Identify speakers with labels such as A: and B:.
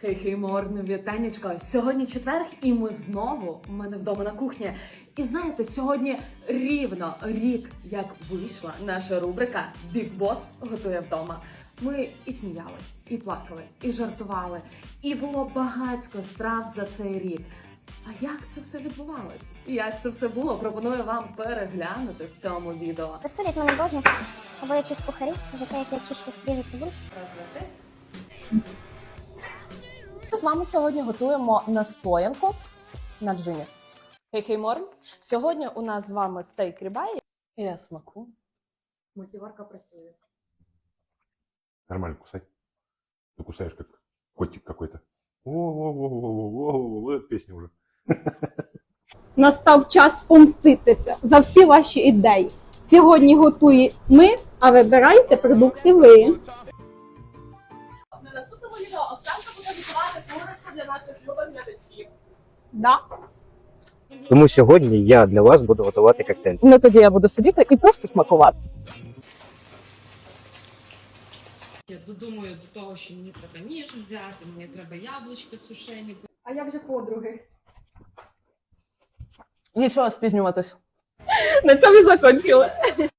A: Хей, Морн, вітанечко. Сьогодні четверг, і ми знову у мене вдома на кухні. І знаєте, сьогодні рівно рік, як вийшла наша рубрика «Big Boss готує вдома». Ми і сміялись, і плакали, і жартували, і було багатько страв за цей рік. А як це все відбувалось? Як це все було? Пропоную вам переглянути в цьому відео.
B: Засудять мене Божі, або якісь кухарі, за те, як я чищу ріжу цибулю.
A: Раз, два, три.
C: З вами сьогодні готуємо настоянку на джині. Хей, Морн. Сьогодні у нас з вами стейк рібай. Я смаку.
A: Мультиварка працює.
D: Нормально кусай. Ты кусаешь как котик какой-то. О, песня уже.
E: Настав час помститися за всі ваші ідеї. Сьогодні готує ми, а вибирайте продукти ви.
C: На наступному відео Оксанка буде готувати курочку для наших любих глядачів.
E: Да.
F: Тому сьогодні я для вас буду готувати коктейль.
C: Ну тоді я буду сидіти і просто смакувати.
G: Я додумаю до того, що мені треба ніж взяти, мені треба яблучко сушені.
A: А як же подруги?
C: Нічого спізнюватись. На цьому і закінчили.